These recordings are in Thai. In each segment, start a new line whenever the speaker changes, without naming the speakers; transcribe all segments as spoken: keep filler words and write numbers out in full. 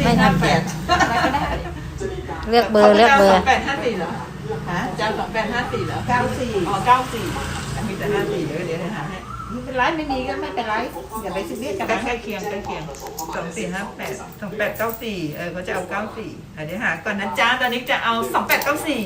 ไม่ทันเปลี่ยน
อะไรก็ได้
เลือกเบอร์เลือกเบอร์
สองแปดห้าสี่เหรอ
ฮะ
จานสองแปดห้าสี่เหรอ
เก้าสี่
อ๋อเก้าสี่มีแต่ห้าสี่เดี๋ยวเดี๋ยวหาให้
ไม่เป็นไรไม่มีก็ไม่เป็นไรอย่าไปซีเรียสกัน
ใกล้
นะ
ใกล้เคียงใกล้เคียงสองสี่ห้าแปดสองแปดเก้าสี่เออเขาจะเอาเก้าสี่เดี๋ยวหาก่อนนะจ้าตอนนี้จะเอาสองแปดเก้าสี่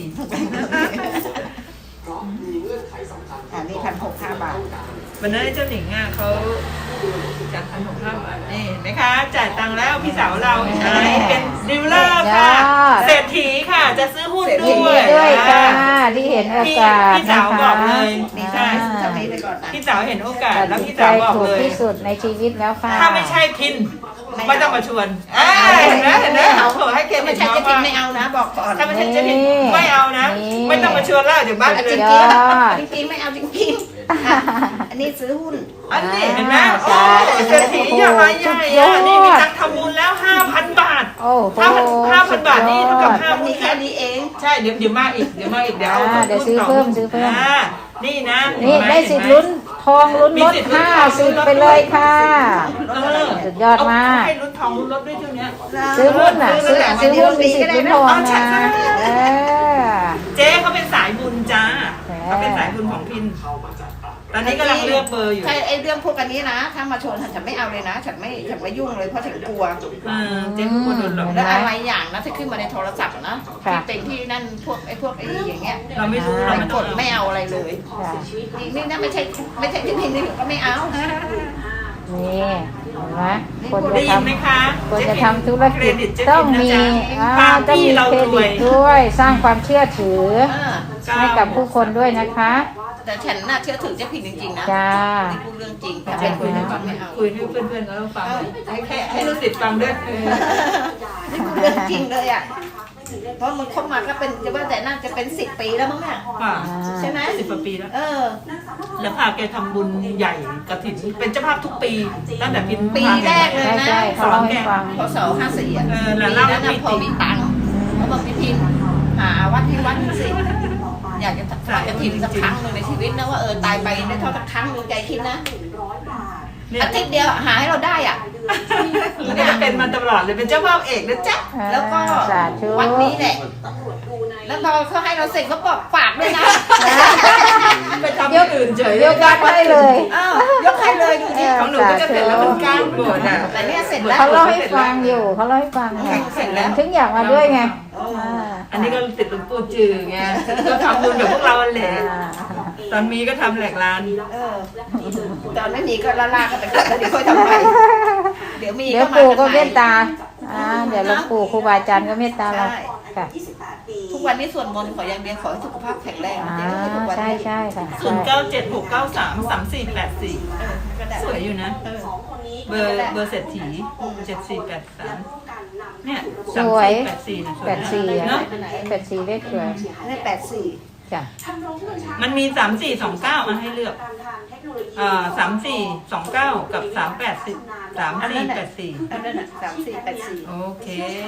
อันนี้พันหกห้าบาท
วันนั้นเจ้าหนิงอ่ะเขาจ่ายพันหกห้าบาทนี่เห็นไหมคะจ่ายตังค์แล้วพี่สาวเราเห็นไหมเป็นดีลเลอร์ค่ะเศรษฐีค่ะจะซื้อหุ้น
ยิน
ด้ว
ดี
ย
ด้วยค่ะที่เห็นโอกาส
พี่
นะ
สาวบ
คะ
อกเลย
นี่ใช่ทำนี้ไปก่อนนะ
พี่สาวเห็นโอกาส
ตัด
แล้ว
สิน
พี่
ใจ
สาวบอก
ถูก
เลย
ที่สุดในชีวิตแล้วค่ะ
ถ้าไม่ใช่พินไม่ต้องมาชวนเอ้ยเห็นไหมเห็นไหมเขาขอให้เกม
ไม่ใช่จะกินไม่เอานะบอกก่อน
ถ้าไม่ใช่จะพินไม่เอานะ ไม่ต้องมาชวนแล้วเดี๋ยวบ้าน
จ
เล
ริ
ย
ง
ยอด
จริงจริงไม่เอาจริงจริงๆอันนี้ซื้อหุ้น
อันนี้เห็นไหม
อ่า
โอ้เศรษฐีอย่ามาใหญ่อะนี่มีตังค์ทำบุญแล้วห้าพันบาท
โอ้โห
ห้าพันห้าพันบาทนี่เท่ากับห้า
มัน
พั
มี
น
แค่นี้เอง
ใช่เดี๋ยวเดี๋ยวมาอีกเดี๋ยวมาอีกเดี๋ยวเอา
อ่าเดี๋ยวซื้อเพิ่มซื้อเพิ่ม
อ่านี่นะ
นี่ได้สิทธิ์ลุ้นทองลุ้นรถห้าสิบไปเลยค่ะ
เออ
สุดยอดมาก
เอให้ลุ้นทองลุ้นรถด้วยเท่านี้
ซื้อหุ้นอ่ะซื้อซื้อหุ้นมีสิทธิ์ลุ้นทองนะเออ
เจ๊เขาเป็นสายบุญจ้า
แหม
เขาเป็นสายบุญของพิน ตอนนี้กำลังเลือกเบอร์อยู่
ใช่ไอ้เรื่องพวกอันนี้นะ ถ้ามาชวนฉันไม่เอาเลยนะ ฉันไม่ฉันไม่ยุ่งเลยเพราะฉันกลัว
เออเจ๊กลัวโดนหลอก
แล้วอะไรอย่างนะที่ขึ้นมาในโทรศัพท์นะที่เป็นที่นั่นพวกไอ้พวกไอ้อย่างเงี้ย
เราไม่รู้เรา
ไม่
ไม่
ก
ต้อง
ดไม่เอาอะไรเลย
ค่ะ
นี่นี่นะไม่ใช่ไม่ใช่ที่พิมพ์นี่ก็ไม่เอา
นี่เห็นไหมคน
ได้
จะ
ยินไหม
ทำ
คะ
คนจะทำธุรกิจ
เคดิตเจ๊
ต้อง
พิ
มี
นะจ๊ะ
อ่า
พา
ต้อง
พี่
มี
เรา
เคร
รว
ดิ
ย
ตด้วยสร้างความเชื่อถือ
เออ
ให้กับผู้คนด้วยนะคะ
แต่ฉันน่าเชื่อถือเจ๊พิมพ์จริงๆนะ
จ้า
นี่พูดเรื่องจริงแต่เป็นคนที่ฟังไม่เอา
คุยให้เพื่อนๆเขาฟังให้แค่ให้รู้สิทธิ์ฟังด้วยเออ
นี่พูดเรื่องจริงเลยอ่ะเพราะมันเข้ามาก็เป็นจะว่าแต่น่าจะเป็นสิบปีแล้วมั้งเนี่ย
ค่ะ
ใช่ไหม
สิบกว่าปีแล้ว
เออ
แล้วพาแกทำบุญใหญ่กระถิ่นเป็นเจ้าภาพทุกปีตั้งแต่พิน
ปีแรกเลย
ใช่
นะ
ใช่เขาเล่าให้ฟัง
พศห้าสี่อ่ะ
เออแล้ว
ปี
เล่า
นั้น
ให้
นะ
พี่
พอมีตังค์เขาบอกพี่พิมพ์หาวัดที่วัดหนึ่งสิอยากจะฝากกระถิ่นสักครั้งหนึ่งในชีวิตนะว่าเออตายไปได้เท่าสักครั้งหนึ่งใจคิดนะ
เนี่ย
อาทิตย์เดียวหาให้เราได้อ่ะ
แล้วก็จะเป็นมาตลอดเลยเป็นเจ้าภาพเอกนะจ๊ะ
แล้วก็
สาธุ
วัดนี้แหละ แล้วพอเขาให้เราเสร็จเขาบอกฝากด้วยนะ
ไปทำที่อื่นเฉย
ยกยอดให้เลย
อ้าวยกให้เลยดูดิ
ของหนูก็จะเสร็จแล้วมันก้างโบดอ่ะ
แต่เนี่ยเสร็จแล้ว
เขาเล่าให้ฟังอยู่เขาเล่าให้ฟังไง
เสร็จแล้ว
ถึงอยากมาด้วยไง
อันนี้ก็ติดหลวงปู่จือไงก็ทำบุญแบบพวกเราแหละตอนมีก็ทำแหลกลาน
เออตอนไม่มีก็ละลากันไปก่อนแล้วเดี๋ยวค่อยทำไปเดี๋ยวมี
เดี๋ยว
ก็มา
ปู่ก็
นให
เมตตาอ่าเดี๋ยวหลวงปู่ครูบาอาจารย์ก็เมตตาเราค่ะ
ทุกวันนี้ส่วนมนต์ขออย่างเดียวขอให้สุขภาพแข็งแรง
อ่า
เจ๊ทุกวัน
ใช่
นี้
ใช่ค่ะ
ศูนย์เก้าเจ็ดหกเก้าสามสามสี่แปดสี่
เออก็ได้
สวยอยู่นะ
เออ
เบอร์เบอร์เศรษฐีเจ็ดสี่แปดสามเนี่ย
สวย
แปดสี่นะสวย
แปดสี่
เนาะ
แปดสี่เลขสวย
ได้แปดสี่
จ้ะ
มันมีสามสี่สองเก้ามาให้เลือกอ่าสามสี่สองเก้ากับสามแปดสิบสามสี่แปดสี่
อันนั้นน่ะสามสี่แปดสี่
โอเค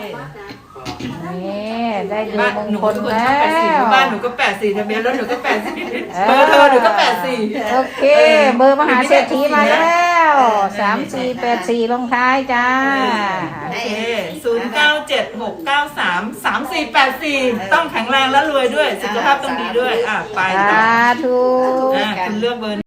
นี่ได้ดู
บ้าน
มง
หนู
คล
เป็นคน
แล้
ชอบแปดสี่
ว
บ้านหนูก็แปดสี่ทะเบียนรถหนูก็แปดสี่
เออ
เบอร์โทรหนูก็แปดสี่
โอเค เบอร์มหาเศรษฐีมาแล้วสามสี่แปดสี่ลงท้ายจ้า
โอเคศูนย์เก้าเจ็ดหกเก้าสามสามสี่แปดสี่ต้องแข็งแรงและรวยด้วย สุขภาพต้องดีด้วย อ่ะ ไป
สาธุ
อ่ะคุณเลือกเบอร์